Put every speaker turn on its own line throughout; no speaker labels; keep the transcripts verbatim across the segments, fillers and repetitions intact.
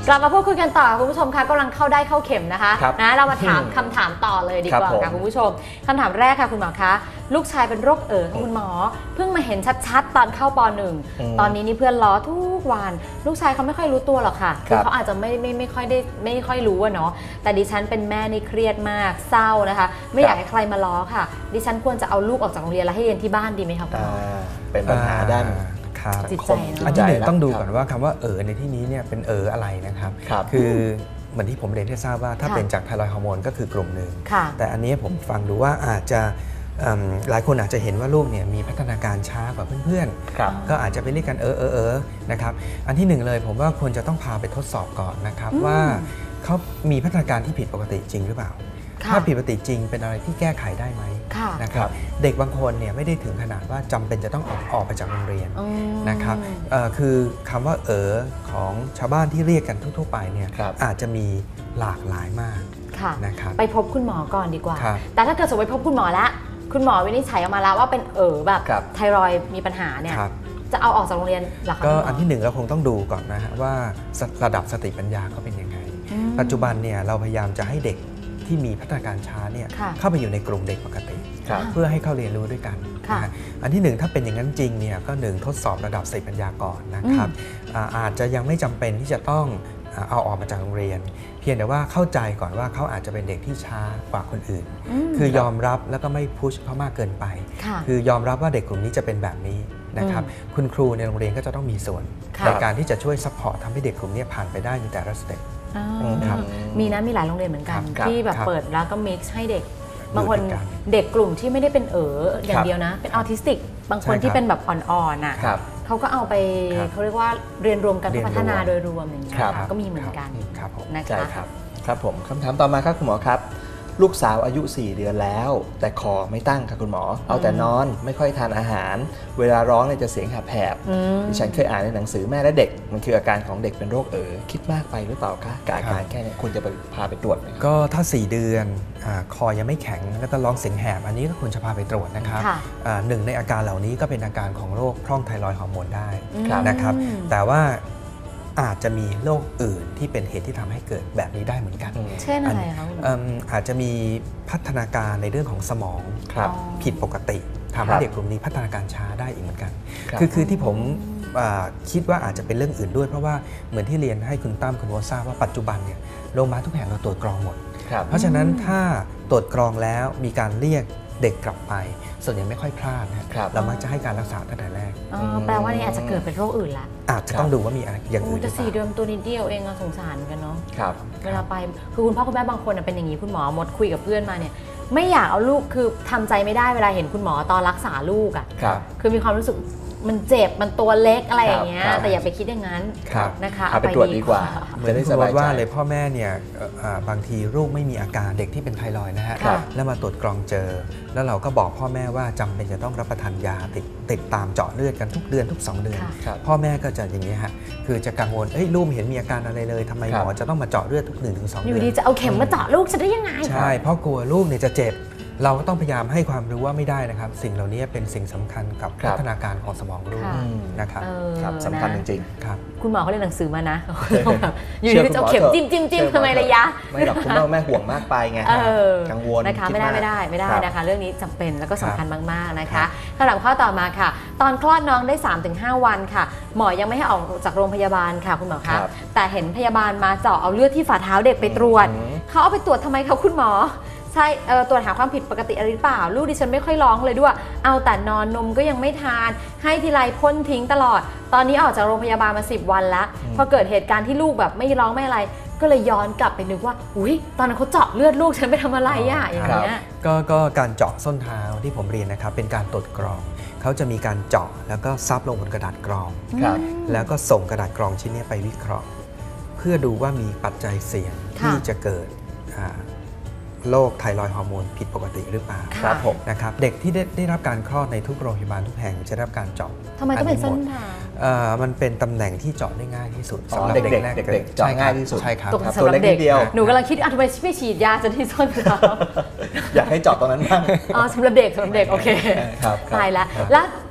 กลับมาพูดคุยกันต่อคุณผู้ชมคะกำลังเข้าได้เข้าเข็มนะคะนะเรามาถามคำถามต่อเลยดีกว่าค่ะคุณผู้ชมคำถามแรกค่ะคุณหมอคะลูกชายเป็นโรคเอ๋อค่ะคุณหมอเพิ่งมาเห็นชัดๆตอนเข้าป หนึ่งตอนนี้นี่เพื่อนล้อทุกวันลูกชายเขาไม่ค่อยรู้ตัวหรอกค่ะคือเขาอาจจะไม่ไม่ไม่ค่อยได้ไม่ค่อยรู้อะเนาะแต่ดิฉันเป็นแม่นี่เครียดมากเศร้านะคะไม่อยากให้ใครมาล้อค่ะดิฉันควรจะเอาลูกออกจากโรงเรียนแล้วให้เรียนที่บ้านดีไหมคะคุณหมอ
เป็นปัญหาด้าน
จิตใจ
อันที่หนึ่งต้องดูก่อนว่าคำว่าเอ๋อในที่นี้เนี่ยเป็นเอ๋ออะไรนะครับคือเหมือนที่ผมเรียนให้ทราบว่าถ้าเป็นจากไทรอยด์ฮอร์โมนก็คือกลุ่มหนึ่งแต่อันนี้ผมฟังดูว่าอาจจะหลายคนอาจจะเห็นว่าลูกเนี่ยมีพัฒนาการช้ากว่าเพื่อนๆก็อาจจะไปเรียกกันเออเออเออนะครับอันที่หนึ่งเลยผมว่าควรจะต้องพาไปทดสอบก่อนนะครับว่าเขามีพัฒนาการที่ผิดปกติจริงหรือเปล่าถ้าผิดปกติจริงเป็นอะไรที่แก้ไขได้ไหมนะครับเด็กบางคนเนี่ยไม่ได้ถึงขนาดว่าจำเป็นจะต้องออกออกไปจากโรงเรียนนะครับคือคำว่าเออของชาวบ้านที่เรียกกันทั่วๆไปเนี่ยอาจจะมีหลากหลายมากนะครับ
ไปพบคุณหมอก่อนดีกว่าแต่ถ้าเกิดสมมติไปพบคุณหมอแล้วคุณหมอวินิจฉัยออกมาแล้วว่าเป็นเออแบบไทรอยด์มีปัญหาเนี่ยจะเอาออกจากโรงเรียนหรอคะ
ก็อันที่หนึ่งเราคงต้องดูก่อนนะฮะว่าระดับสติปัญญาเขาเป็นยังไงปัจจุบันเนี่ยเราพยายามจะให้เด็กที่มีพัฒนาการช้าเนี่ยเข้าไปอยู่ในกลุ่มเด็กปกติเพื่อให้เขาเรียนรู้ด้วยกันนะอันที่หนึ่งถ้าเป็นอย่างนั้นจริงเนี่ยก็หนึ่งทดสอบระดับสติปัญญาก่อนนะครับอาจจะยังไม่จำเป็นที่จะต้องเอาออกมาจากโรงเรียนเพียงแต่ว่าเข้าใจก่อนว่าเขาอาจจะเป็นเด็กที่ช้ากว่าคนอื่นคือยอมรับแล้วก็ไม่พุชเขามากเกินไปคือยอมรับว่าเด็กกลุ่มนี้จะเป็นแบบนี้นะครับคุณครูในโรงเรียนก็จะต้องมีส่วนในการที่จะช่วยซัพพอร์ตทำให้เด็กกลุ่มนี้ผ่านไปได้ในแต่ละสเต็ป
มีนะมีหลายโรงเรียนเหมือนกันที่แบบเปิดแล้วก็มิกซ์ให้เด็กบางคนเด็กกลุ่มที่ไม่ได้เป็นเอ๋ออย่างเดียวนะเป็นออทิสติกบางคนที่เป็นแบบอ่อนๆน่ะเขาก็เอาไปเขาเรียกว่าเรียนรวมกันพัฒนาโดยรวมอย่างนี้ก็มีเหมือนกัน
นะคะครับผมคำถามต่อมาครับคุณหมอครับลูกสาวอายุสี่เดือนแล้วแต่คอไม่ตั้งค่ะคุณหมอเอาแต่นอนไม่ค่อยทานอาหารเวลาร้องเนี่ยจะเสียงแหบๆดิฉันเคยอ่านในหนังสือแม่และเด็กมันคืออาการของเด็กเป็นโรคเอ๋อคิดมากไปหรือเปล่าคะกับอาการแค่นี้ควรจะไปพาไปตรวจไหม
ก็ถ้าสี่เดือนคอยังไม่แข็งแล้วก็ร้องเสียงแหบอันนี้ก็ควรจะพาไปตรวจนะครับหนึ่งในอาการเหล่านี้ก็เป็นอาการของโรคพร่องไทรอยด์ฮอร์โมนได้นะครับแต่ว่าอาจจะมีโรคอื่นที่เป็นเหตุที่ทำให้เกิดแบบนี้ได้เหมือนกัน
เช่นอะไรคะ
อาจจะมีพัฒนาการในเรื่องของสมองผิดปกติทำให้เด็กกลุ่มนี้พัฒนาการช้าได้อีกเหมือนกันคือคือที่ผมคิดว่าอาจจะเป็นเรื่องอื่นด้วยเพราะว่าเหมือนที่เรียนให้คุณตั้มคุณโวทราบว่าปัจจุบันเนี่ยโรงพยาบาลทุกแห่งเราตรวจกรองหมดเพราะฉะนั้นถ้าตรวจกรองแล้วมีการเรียกเด็กกลับไปส่วนใหญ่ไม่ค่อยพลาดนะครับเรามักจะให้การรักษาตั้งแต่แรก
แปลว่านี่อาจจะเกิดเป็นโรคอื่นละ
อาจจะต้องดูว่ามีอะไรอย่างอื่น
จะสี่เดือนตัวนิดเดียวเองสงสารกันเนาะเวลาไปคือคุณพ่อคุณแม่บางคนเป็นอย่างนี้คุณหมอมดคุยกับเพื่อนมาเนี่ยไม่อยากเอาลูกคือทำใจไม่ได้เวลาเห็นคุณหมอตอนรักษาลูกอ่ะคือมีความรู้สึกมันเจ็บมันตัวเล็กอะไรอย่างเงี้ยแต่อย่าไปคิดอย่างนั้นนะคะ
เอาไปตรวจดีกว่า
เหมือนที่สบายว่าเลยพ่อแม่เนี่ยบางทีลูกไม่มีอาการเด็กที่เป็นไทรอยด์นะฮะแล้วมาตรวจกรองเจอแล้วเราก็บอกพ่อแม่ว่าจำเป็นจะต้องรับประทานยาติดติดตามเจาะเลือดกันทุกเดือนทุกสองเดือนพ่อแม่ก็จะอย่างนี้ฮะคือจะกังวลเอ้ยลูกไม่เห็นมีอาการอะไรเลยทำไมหมอจะต้องมาเจาะเลือดทุกหนึ่งถึงสองเดือน
อยู่ดีจะเอาเข็มมาเจาะลูกจะได้ยังไง
ใช่เพราะกลัวลูกเนี่ยจะเจ็บเราก็ต้องพยายามให้ความรู้ว่าไม่ได้นะครับสิ่งเหล่านี้เป็นสิ่งสำคัญกับพัฒนาการของสมองลูกนะครับ
สำคัญจริง
ๆครับ
คุณหมอเขาเรียนหนังสือมานะอยู่ดีจะเอาเข็มจิ้มจิ้มจิ้มทำไมระยะ
ไม่หรอกคุณพ่อแม่ห่วงมากไปไงกังวล
นะคะไม่ได้ไม่ได้ไม่ได้นะคะเรื่องนี้จำเป็นแล้วก็สำคัญมากๆนะคะคำถามข้อต่อมาค่ะตอนคลอดน้องได้ สามถึงห้า วันค่ะหมอยังไม่ให้ออกจากโรงพยาบาลค่ะคุณหมอคะแต่เห็นพยาบาลมาเจาะเอาเลือดที่ฝ่าเท้าเด็กไปตรวจเขาเอาไปตรวจทำไมคะคุณหมอใช่ตรวจหาความผิดปกติอะไรหรือเปล่าลูกดิฉันไม่ค่อยร้องเลยด้วยเอาแต่นอนนมก็ยังไม่ทานให้ทีไรพ่นทิ้งตลอดตอนนี้ออกจากโรงพยาบาลมาสิบวันแล้วพอเกิดเหตุการณ์ที่ลูกแบบไม่ร้องไม่อะไรก็เลยย้อนกลับไปนึกว่าอุ้ยตอนนั้นเขาเจาะเลือดลูกฉันไปทำอะไรอ่ะอย่างเงี้ย
ก็ก็การเจาะส้นเท้าที่ผมเรียนนะครับเป็นการตรวจกรองเขาจะมีการเจาะแล้วก็ซับลงบนกระดาษกรองแล้วก็ส่งกระดาษกรองชิ้นนี้ไปวิเคราะห์เพื่อดูว่ามีปัจจัยเสี่ยงที่จะเกิดโรคไทรอยด์ฮอร์โมนผิดปกติหรือเปล่า
ครับผม
นะครับเด็กที่ได้ได้รับการคลอดในทุกโรงพยาบาลทุกแห่งจะได้รับการเจาะ
ทำไมต้องเป็นส้นเท้า
มันเป็นตำแหน่งที่เจาะได้ง่ายที่สุด
สำหรับเด็กเด็กเจาะง่ายที่สุด
ใช่ครับ
ตัวเล็กเดียวหนูกำลังคิดอ่ะทำไมไม่ฉีดยาจะที่ส้นเท้า
อยากให้เจาะตรงนั้นบ้าง
อ๋อสำหรับเด็กสำหรับเด็กโอเคตายแล้วแล้ว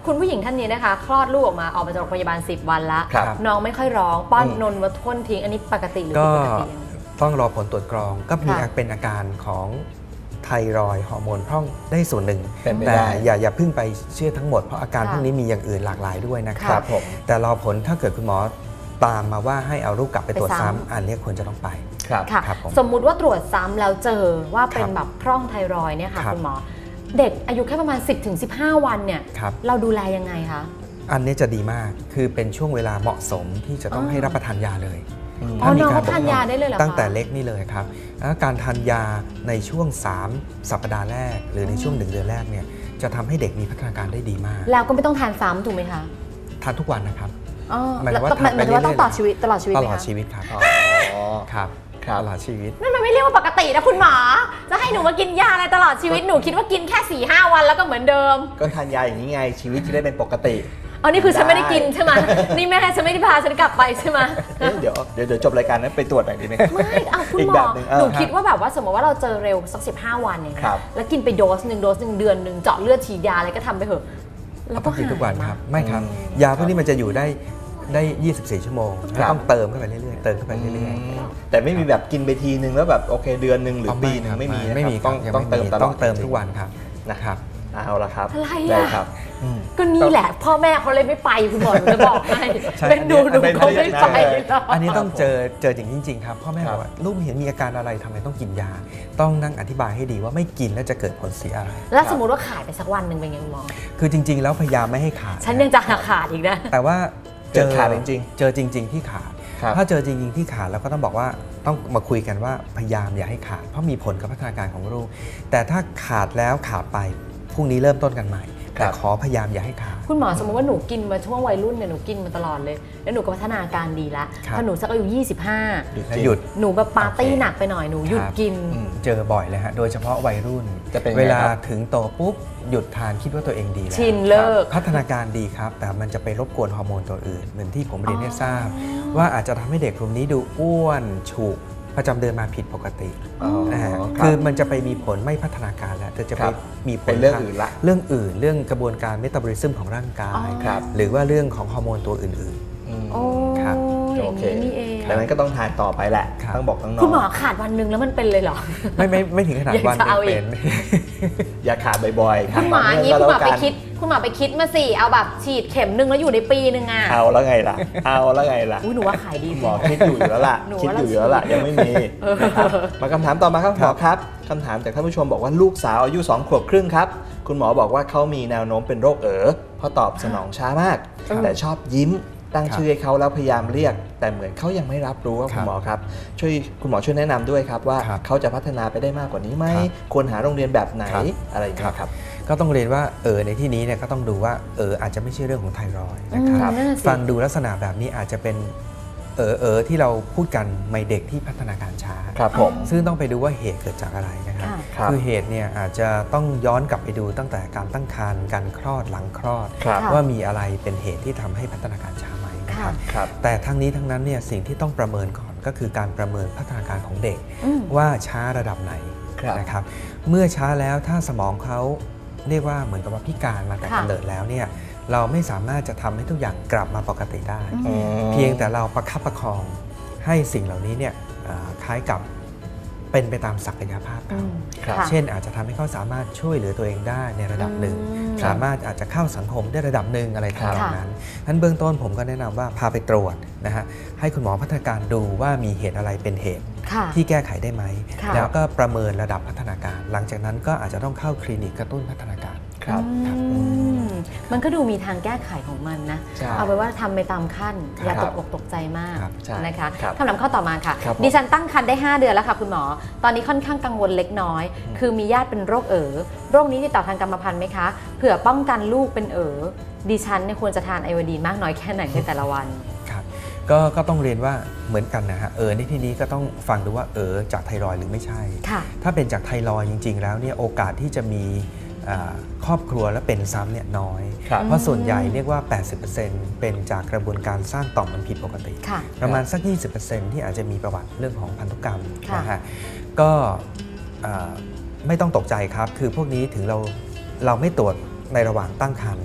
คุณผู้หญิงท่านนี้นะคะคลอดลูกออกมาออกมาจากโรงพยาบาลสิบวันแล้ว
ครับ
น้องไม่ค่อยร้องป้อน
อืม
นมวัดท้นทิ้งอันนี้ปกติหรือ
ก็
ผิดปกติ
ต้องรอผลตรวจกรองก็มี
ค่ะ
เป็นอาการของไทรอยด์ฮอร์โมนพร่องได้ส่วนหนึ่ง
เป็นไป
แต่
ได้
อย่าอย่าเพิ่งไปเชื่อทั้งหมดเพราะอาการ
ค่ะ
พวกนี้มีอย่างอื่นหลากหลายด้วยนะค
ค
รั
รับ บผม
แต่รอผลถ้าเกิดคุณหมอตามมาว่าให้เอาลูกกลับไปตรวจ
ไปซ้ำ
ซ้ำอันนี้ควรจะต้องไป
ครับ
ค่ะ
ครับผม
สมมุติว่าตรวจซ้ำแล้วเจอว่าเป็น
ครับ
แบบพร่องไทรอยด์เนี่ยค่ะ
ครับ
คุณหมอเด็กอายุแค่ประมาณ สิบถึงสิบห้า วันเนี่ย
ครับ
เราดูแลยังไงคะ
อันนี้จะดีมากคือเป็นช่วงเวลาเหมาะสมที่จะต้อง
อ๋อ
ให้รับประทานยาเลย
อืม
อ๋อ
มี
น้อง
ก
เขา
ร
ทานยาได้เลยเหรอคะ
ตั้งแต่เล็กนี่เลยครับแล้วการทานยาในช่วงสามสัปดาห์แรก หรือในช่วงหนึ่งเดือนแรกเนี่ยจะทำให้เด็กมีพัฒนาการได้ดีมาก
แล้วก็ไม่ต้องทานซ้ำถูกไหมคะ
ทานทุกวันนะครับ
อ๋อ
หมายถึงว่า
แล้วหมาย
ทานไป
ถึงว่าต้อง
เรื่อยๆ
ต่อชีวิตตลอดชีวิต
ต
ไหม
ลอด
คะ
ชีวิตครับ
อ๋อ
ครับ
ครับ
ตลอดชีวิต
นั่นมันไม่เรียกว่าปกตินะคุณหมอ จะให้หนูมากินยาอะไรตลอดชีวิตหนูคิดว่ากินแค่สี่ห้าวันแล้วก็เหมือนเดิม
ก็ทานยาอย่างนี้ไงชีวิตจะได้เป็นปกติ
เอานี่คือฉันไม่ได้กิน
ได้
ใช่ไหมนี่แม่ฉันไม่ได้พาฉันกลับไปใช่ไหม
เอ๊ะเดี๋ยวเดี๋ยวเดี๋ยวจบรายการนั้นไปตรวจหน่อยดีไหม
ไม่เอาคุณ
อีก
หม
แบ
อบ
หนึ่งเออ
หนู
ครับ
คิดว่าแบบว่าสมมติว่าเราเจอเร็วสักสิบห้าวันอย่างเงี้
ครั
ย
บ
แล้วกินไปโดสหนึ่งโดสหนึ่งเดือนหนึ่งเจาะเลือดฉีดยาอะไรก็ทำไปเถอะแล้วก็
ต้องกินทุกวัน
หาย
ครับ
มา
ไม่ครับ
อืม
ยาพวกนี้มันจะอยู่ได้ได้ ยี่สิบสี่ ชั่วโมง
ครับ
ต้องเติมเข้าไปเรื่อยๆเติมเข้าไปเรื่อย
แต่ไม่มีแบบกินไปทีนึงแล้วแบบโอเคเดือนหนึ่ง
ๆ
หรือปีหนึงไม่มีนะครับ
ไม่มี
ต้อง
ครับ
ต้องเติมตลอด
ต้องเติมทุกวันครับ
นะครับ เอาละครับ
อะไร
ได้
อ่ะ
ครับอืม
ก็นี่แหละ พ่อแม่เขาเลยไม่ไปคุณหมอหนูจะบอกให้
ใช่
เป็นดูหนู
อันนี้
เขาไม่ไป
อันนี้
หรอก
อันนี้ต้องเจอเจออย่างจริง ๆ ครับพ่อแม่
ครับ
บอกว่าลูกเห็นมีอาการอะไรทำไมต้องกินยา ต้องนั่งอธิบายให้ดีว่าไม่กินแล้วจะเกิดผลเสียอะไร
แล้วสมมติว่าขาดไปสักวันหนึ่งเป็นไงคุณหมอ
คือจริง ๆ แล้วพยายามไม่ให้ขาด
ฉันยังจะขาดอีกนะ
แต่ว่า
เจอขาดจริง
เจอจริง ๆ ที่ขาด
ครับ
ถ้าเจอจริง ๆ ที่ขาดเราก็ต้องบอกว่าต้องมาคุยกันว่าพยายามอย่าให้ขาด เพราะมีผลกับพัฒนาการของลูก แต่ถ้าขาดแล้วขาดไปพรุ่งนี้เริ่มต้นกันใหม่
ครับ
แต่ขอพยายามอย่าให้ขาด
คุณหมอสมมติว่าหนูกินมาช่วงวัยรุ่นเนี่ยหนูกินมาตลอดเลย แล้วหนูก็พัฒนาการดีแล้ว
ครับ
พอหนูสักอายุยี่สิบห้า
แล้วหยุด
หนูแบบปาร์ตี้
โอเค
หนักไปหน่อยหนูหยุด
ครับ
กิน
อืม
เจอบ่อยเลยฮะ โดยเฉพาะวัยรุ่น
จะเป็นไง
เวลา
ครับ
ถึงโตปุ๊บหยุดทานคิดว่าตัวเองดีแล้ว
ชินเลิก
พัฒนาการดีครับ แต่มันจะไปรบกวนฮอร์โมนตัวอื่น เหมือนที่ผมเรียนให้ทราบ
อ๋อ
ว่าอาจจะทำให้เด็กกลุ่มนี้ดูอ้วนฉุกประจำเดือนมาผิดปกติ
อ๋อ
นะฮะ
รับ
คือมันจะไปมีผลไม่พัฒนาการแล้วแต่จะ
ค
ไป
รับ
มีผล
เป็นเรื่องอื่นละ
เรื่องอื่น เรื่องกระบวนการเมตาบอลิซึมของร่างกาย
ครับ
หรือว่าเรื่องของฮอร์โมนตัวอื่น
อืม
โอ้
ครับ
อ
โอย่าง เค
นี้นี่เอง
ดังนั้นก็ต้องทานต่อไปแหละ
ครับ
ต้องบอกน้องๆ
คุณหมอขาดวันหนึ่งแล้วมันเป็นเลยเหรอ
ๆ ไม่ไม่ไม่ถึงขนาด
อยาก
วัน
จะเอาอีก
เป็น
อย่าขาดบ่อยๆ
คุณหมอ
ขาด
อย่างนี้
ต่
คุณหมอ
เนื่
ไป
งก็แล้วกัน
คิด คุณหมอไปคิดมาสิเอาแบบฉีดเข็มหนึ่งแล้วอยู่ในปีหนึ่งอ่ะ
เอาแล้วไงล่ะ เอาแล้วไงล่ะ
อุ้ยหนูว่าขายดี
หมอคิดอยู่อยู่แล้วล่ะ
หนู
คิด
ว่า
อยู่อยู่แล้วล่ะ ยังไม่มีนะครับมาคำถามต่อมาครับหมอครับคำถามจากท่านผู้ชมบอกว่าลูกสาวอายุสองขวบครึ่งครับ คุณหมอบอกว่าเขามีแนวโน้มเป็นโรคเอ๋อเพราะตอบสนองช้ามาก แต่ชอบยิ้มตั้งชื่อให้เขาแล้วพยายามเรียก แต่เหมือนเขายังไม่รับรู้ว่าคุณหมอครับช่วยคุณหมอช่วยแนะนำด้วยครับว่า
ครับ
เขาจะพัฒนาไปได้มากกว่านี้ไหม
ครับ
ควรหาโรงเรียนแบบไหน
ครับ
อะไรอย่างเงี้ยครับ
ก็ต้องเรียนว่าเออในที่นี้เนี่ยก็ต้องดูว่าเอออาจจะไม่ใช่เรื่องของไทรอยด์นะค
ค
รั
รับ บนั่นน่ะสิ
ฟังดูลักษณะแบบนี้อาจจะเป็นเออเออที่เราพูดกันในเด็กที่พัฒนาการช้า
ครับผม
ซึ่งต้องไปดูว่าเหตุเกิดจากอะไรนะครับ
ค่ะ
ครับ
คือเหตุเนี่ยอาจจะต้องย้อนกลับไปดูตั้งแต่การตั้งครรภ์การคลอดหลังคลอด
ครับ
ค่ะ
ว่ามีอะไรเป็นเหตุที่ทำให้พัฒนาการช้าไหมนะครับ
ครับ
แต่ทั้งนี้ทั้งนั้นเนี่ยสิ่งที่ต้องประเมินก่อนก็คือการประเมินพัฒนาการของเด็ก
อืม
ว่าช้าระดับไหน
ครับ
นะครับ เมื่อช้าแล้วถ้าสมองเขาเรียกว่าเหมือนกับว่าพิการมาแต่
ค่ะ
กำเนิดแล้วเนี่ยเราไม่สามารถจะทำให้ทุกอย่างกลับมาปกติได้
อืม
เพียงแต่เราประคับประคองให้สิ่งเหล่านี้เนี่ยเอ่อคล้ายกับเป็นไปตามศักยภาพ
อื
เขา
ม
ครับ
ค่ะ
เช่นอาจจะทำให้เขาสามารถช่วยเหลือตัวเองได้ในระดับหนึ่ง
อืม
สามารถอาจจะเข้าสังคมได้ระดับหนึ่งอะไรทำนอง
ค่ะ
นั้นนั้นเบื้องต้นผมก็แนะนำว่าพาไปตรวจนะฮะให้คุณหมอพัฒนาการดูว่ามีเหตุอะไรเป็นเหตุ
ค่ะ
ที่แก้ไขได้ไหม
ค่ะ
แล้วก็ประเมินระดับพัฒนาการ หลังจากนั้นก็อาจจะต้องเข้าคลินิกกระตุ้นพัฒนาการ
ครับ
อืมมันก็ดูมีทางแก้ไขของมันนะ
ใช่
เอาไปนว่าทำไปตามขั้น อย่า
ค
ต
รับ
กอกตกใจมาก
ครับ
ใช่
นะคะ
ครับ
คำถามข้อต่อมาค่ะ
ครับผม
ดิฉันตั้งครรภ์ได้ ห้า เดือนแล้วค่ะคุณหมอ ตอนนี้ค่อนข้างกังวลเล็กน้อย
อืม
คือมีญาติเป็นโรคเอ๋อโรคนี้ติดต่อทางกรรมพันธุ์ไหมคะ เผื่อป้องกันลูกเป็นเอ๋อดิฉันเนี่ยควรจะทานไอโอดีนมากน้อยแค่ไหนในแต่ละวัน
ครับก็ก็ต้องเรียนว่าเหมือนกันนะฮะเออในที่นี้ก็ต้องฟังดูว่าเออจากไทรอยด์หรือไม่ใช่
ค่ะ
ถ้าเป็นจากไทรอยด์จริง ๆ แล้วเนี่ยโอกาสที่จะมีอ่าครอบครัวและเป็นซ้ำเนี่ยน้อย
ครับ
เพราะส่วนใหญ่เรียกว่า แปดสิบเปอร์เซ็นต์ เป็นจากกระบวนการสร้างต่อมมันผิดปกติ
ค่ะ
ประมาณสัก ยี่สิบเปอร์เซ็นต์ ที่อาจจะมีประวัติเรื่องของพันธุกรรม
ค่ะ
นะฮะก็อ่าไม่ต้องตกใจครับ คือพวกนี้ถึงเราเราไม่ตรวจในระหว่างตั้งครรภ์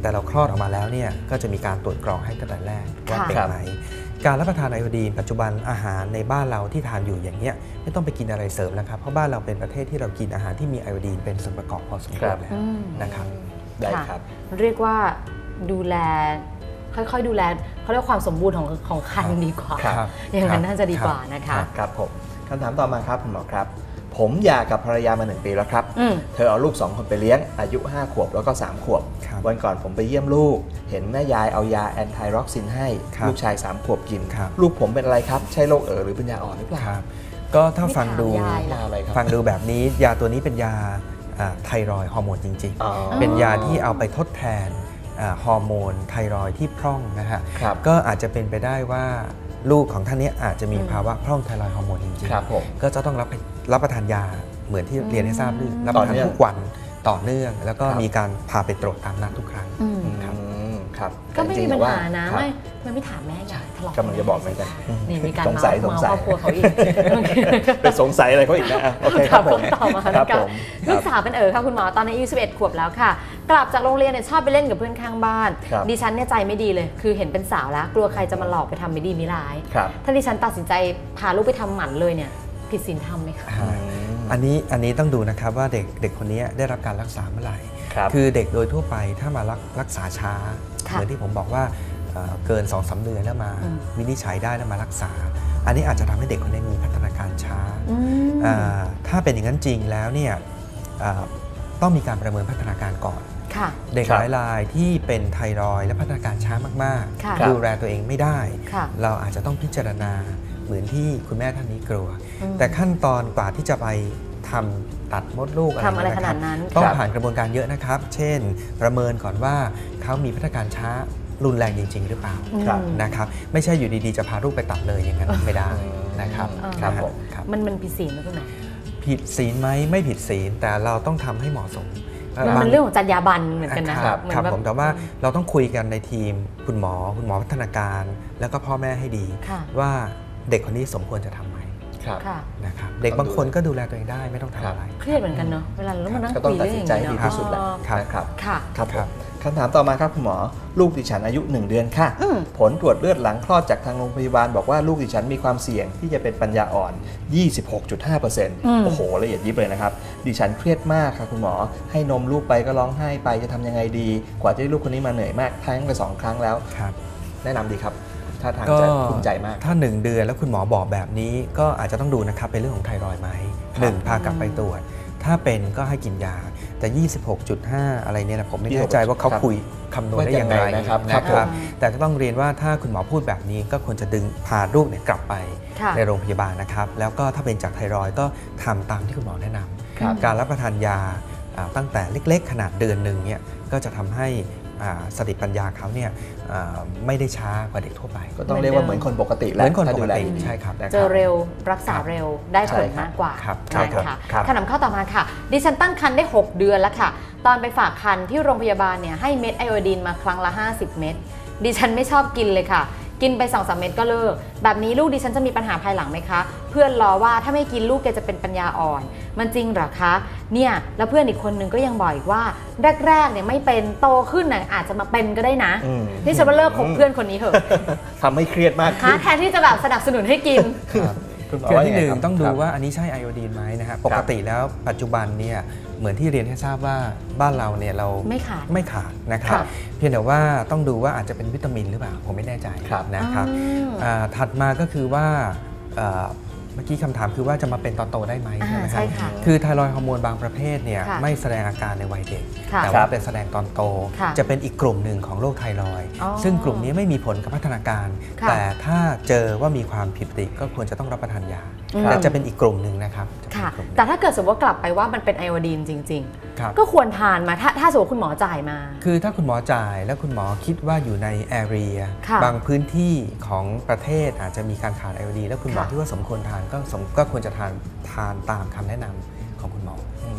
แต่เราคลอดออกมาแล้วเนี่ยก็จะมีการตรวจกรองให้ตั้งแต่แรกว่าเป็นไหมการรับประทานไอโอดีนปัจจุบันอาหารในบ้านเราที่ทานอยู่อย่างเงี้ยไม่ต้องไปกินอะไรเสริมแล้วครับเพราะบ้านเราเป็นประเทศที่เรากินอาหารที่มีไอโอดีนเป็นส่วนประกอบพอสมควรแล้วนะครับ
ได้ครับ
เรียกว่าดูแลค่อยๆดูแลเขาเรียกความสมบูรณ์ของของครรภ์ดีกว่าอย่างนั้นน่าจะดีกว่านะคะ
ครับผมคำถามต่อมาครับคุณหมอครับผมหย่ากับภรรยามาหนึ่งปีแล้วครับเธอเอาลูกสองคนไปเลี้ยงอายุห้าขวบแล้วก็สามขวบวันก่อนผมไปเยี่ยมลูกเห็นแม่ยายเอายาแอนไทร็อกซินให้ลูกชายสามขวบกินลูกผมเป็นอะไรครับใช่โรคเอ๋อหรือเป็นยาอ่อนหรือเปล่า
ก็ถ้าฟังดูฟังดูแบบนี้ยาตัวนี้เป็นยาไทรอยด์ฮอร์โมนจริงๆเป็นยาที่เอาไปทดแทนฮอร์โมนไทรอยด์ที่พร่องนะฮะก็อาจจะเป็นไปได้ว่าลูกของท่านนี้อาจจะมีภาวะพร่องไทรอยด์ฮอร์โมนจริงๆก็จะต้องรับรับประทานยาเหมือนที่เรียนให้ทราบด้วยรับประทานทุกวันต่อเนื่องแล้วก็มีการพาไปตรวจตามนัดทุกครั้ง
ครับ
ก็ไม่มีปัญหานะไม่ไม่ไม่ถามแม่ยายทะเลาะ
กำลังจะบอกเหมือนกัน
นี่มีการเมาเมาครอบครัวเขาอีก
เป็นสงสัยอะไรเขาอีกนะโอเคครับผม
ต่อมาแล้วกันลูกสาวเป็นเอ๋อค่ะคุณหมอตอนนี้อายุสิบเอ็ดขวบแล้วค่ะกลับจากโรงเรียนเนี่ยชอบไปเล่นกับเพื่อนข้างบ้านดิฉันเนี่ยใจไม่ดีเลยคือเห็นเป็นสาวแล้วกลัวใครจะมาหลอกไปทำไม่ดีไม่ร้ายถ้าดิฉันตัดสินใจพาลูกไปทำหมันเลยเนี่ยผิดศีลธรรมไหมคะ
อันนี้อันนี้ต้องดูนะครับว่าเด็กเด็กคนนี้ได้รับการรักษาเมื่อไหร่คือเด็กโดยทั่วไปถ้ามารักรักษาช้าเหมือนที่ผมบอกว่าเกิน สองถึงสาม เดือนแล้วมาวินิจฉัยได้แล้วมารักษาอันนี้อาจจะทำให้เด็กคนนี้มีพัฒนาการช้าถ้าเป็นอย่างนั้นจริงแล้วเนี่ยต้องมีการประเมินพัฒนาการก่อนเด็กหลายรายที่เป็นไทรอยด์และพัฒนาการช้ามากๆดูแลตัวเองไม่ได้เราอาจจะต้องพิจารณาเหมือนที่คุณแม่ท่านนี้กลัวแต่ขั้นตอนกว่าที่จะไปทำตัดมดลูกอะไรขนาดนั้นต้องผ่านกระบวนการเยอะนะครับเช่นประเมินก่อนว่าเขามีพัฒนาการช้ารุนแรงจริงๆหรือเปล่านะครับไม่ใช่อยู่ดีๆจะพาลูกไปตัดเลยอย่างนั้นไม่ได้นะครับ
ครับมันมันผิดศีลไหมคุณหมอ
ผิดศีลไหมไม่ผิดศีลแต่เราต้องทำให้เหมาะสม
มันเรื่องของจรรยาบรรณเหมือนกันนะครับ
ครับผมแต่ว่าเราต้องคุยกันในทีมคุณหมอคุณหมอพัฒนาการแล้วก็พ่อแม่ให้ดีว่าเด็กคนนี้สมควรจะทำไหมนะครับเด็กบางคนก็ดูแลตัวเองได้ไม่ต้องทำอะไร
เครียดเหมือนกันเนาะเวลาเราต้องมานั่งคุยเรื่องอย่างนี้เนาะก็ต้องตัดสินใจดีที่สุดแหละ
ครับค่ะครับคำถามต่อมาครับคุณหมอลูกดิฉันอายุหนึ่งเดือนค่ะผลตรวจเลือดหลังคลอดจากทางโรงพยาบาลบอกว่าลูกดิฉันมีความเสี่ยงที่จะเป็นปัญญาอ่อน ยี่สิบหกจุดห้าเปอร์เซ็นต์ โอ้โหละเอียดยิบเลยนะครับดิฉันเครียดมากค่ะคุณหมอให้นมลูกไปก็ร้องไห้ไปจะทำยังไงดีกว่าที่ลูกคนนี้มาเหนื่อยมากทั้งไปสองครั้งแล้วแนะนำดีครับถ้าทางจะภูมิใจมาก
ถ้าหนึ่งเดือนแล้วคุณหมอบอกแบบนี้ก็อาจจะต้องดูนะครับเป็นเรื่องของไทรอยด์ไหมหนึ่งพากลับไปตรวจถ้าเป็นก็ให้กินยาแต่ ยี่สิบหกจุดห้า อะไรเนี่ยนะผมไม่แน่ใจว่าเขาคุยคำนวณได้อย่างไรนะครับแต่ก็ต้องเรียนว่าถ้าคุณหมอพูดแบบนี้ก็ควรจะดึงพาลูกเนี่ยกลับไปในโรงพยาบาลนะครับแล้วก็ถ้าเป็นจากไทรอยด์ก็ทำตามที่คุณหมอแนะนำการรับประทานยาตั้งแต่เล็กๆขนาดเดือนหนึ่งเนี่ยก็จะทำให้สติปัญญาเขาเนี่ยไม่ได้ช้ากว่าเด็กทั่วไป
ก็ต้องเรียกว่าเหมือนคนปกติแล้ว
เหมือนคนปกติใช่ครับ
เจอเร็วรักษาเร็วได้ผลมากกว่า
ใช่ค่ะ
ขนมข้าวต่อมาค่ะดิฉันตั้งครรภ์ได้หกเดือนแล้วค่ะตอนไปฝากครรภ์ที่โรงพยาบาลเนี่ยให้เม็ดไอโอดีนมาครั้งละห้าสิบเม็ดดิฉันไม่ชอบกินเลยค่ะกินไป สองถึงสาม เม็ดก็เลิกแบบนี้ลูกดิฉันจะมีปัญหาภายหลังไหมคะเพื่อนล้อว่าถ้าไม่กินลูกแกจะเป็นปัญญาอ่อนมันจริงหรอคะเนี่ยแล้วเพื่อนอีกคนนึงก็ยังบอกอีกว่าแรกๆเนี่ยไม่เป็นโตขึ้นน่ะอาจจะมาเป็นก็ได้นะนี่ฉันว่าเลิกคบเพื่อนคนนี้เถอะ
ทำให้เครียดมากขึ้น
แทนที่จะแบบสนับสนุนให้กิน
คือที่หนึ่งต้องดูว่าอันนี้ใช่ไอโอดีนไหมนะฮะปกติแล้วปัจจุบันเนี่ยเหมือนที่เรียนให้ทราบว่าบ้านเราเนี่ยเรา
ไม่ขาด
ไม่ขาดนะครับเพียงแต่ว่าต้องดูว่าอาจจะเป็นวิตามินหรือเปล่าผมไม่แน่ใจนะครับถัดมาก็คือว่าเมื่อกี้คำถามคือว่าจะมาเป็นตอนโตได้ไหมใช่ไหมครับคือไทรอยด์ฮอร์โมนบางประเภทเนี่ยไม่แสดงอาการในวัยเด็กแต่ว่าเป็นแสดงตอนโตจะเป็นอีกกลุ่มหนึ่งของโรคไทรอยด์ซึ่งกลุ่มนี้ไม่มีผลกับพัฒนาการแต่ถ้าเจอว่ามีความผิดปกติก็ควรจะต้องรับประทานยาแต่จะเป็นอีกกลุ่มหนึ่งนะครับ
แต่ถ้าเกิดสมมติว่ากลับไปว่ามันเป็นไอโอดีนจริงๆก็ควรทานมาถ้าถ้าสมมติคุณหมอจ่ายมา
คือถ้าคุณหมอจ่ายแล้วคุณหมอคิดว่าอยู่ในแอเรียบางพื้นที่ของประเทศอาจจะมีการขาดไอโอดีนแล้วคุณหมอที่ว่าสมควรทานก็ก็ควรจะทานทานตามคำแนะนำของคุณหมอ
อ่า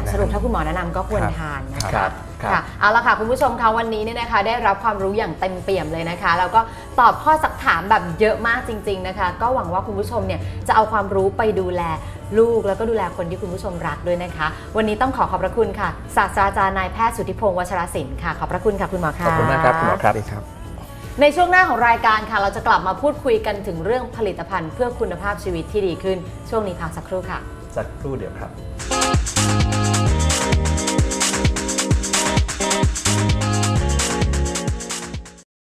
สรุปถ้าคุณหมอแนะนำก็ควรทานนะ
ครั
คะ
บครับ
ค่ะเอาละค่ะคุณผู้ชมคะวันนี้เนี่ยนะคะได้รับความรู้อย่างเต็มเปี่ยมเลยนะคะแล้วก็ตอบข้อสักถามแบบเยอะมากจริงๆนะคะก็หวังว่าคุณผู้ชมเนี่ยจะเอาความรู้ไปดูแลลูกแล้วก็ดูแลคนที่คุณผู้ชมรักด้วยนะคะวันนี้ต้องขอขอบพระคุณค่ะศาสตราจารย์นายแพทย์สุทธิพงศ์วัชรศิลป์ค่ะขอบพระคุณค่ะคุณหมอค่ะ
ขอบคุณมากครับคุณหมอครับ
ในช่วงหน้าของรายการค่ะเราจะกลับมาพูดคุยกันถึงเรื่องผลิตภัณฑ์เพื่อคุณภาพชีวิตที่ดีขึ้นช่วงนี้พักสักครู่ค่ะ
สักครู่เดียวครับ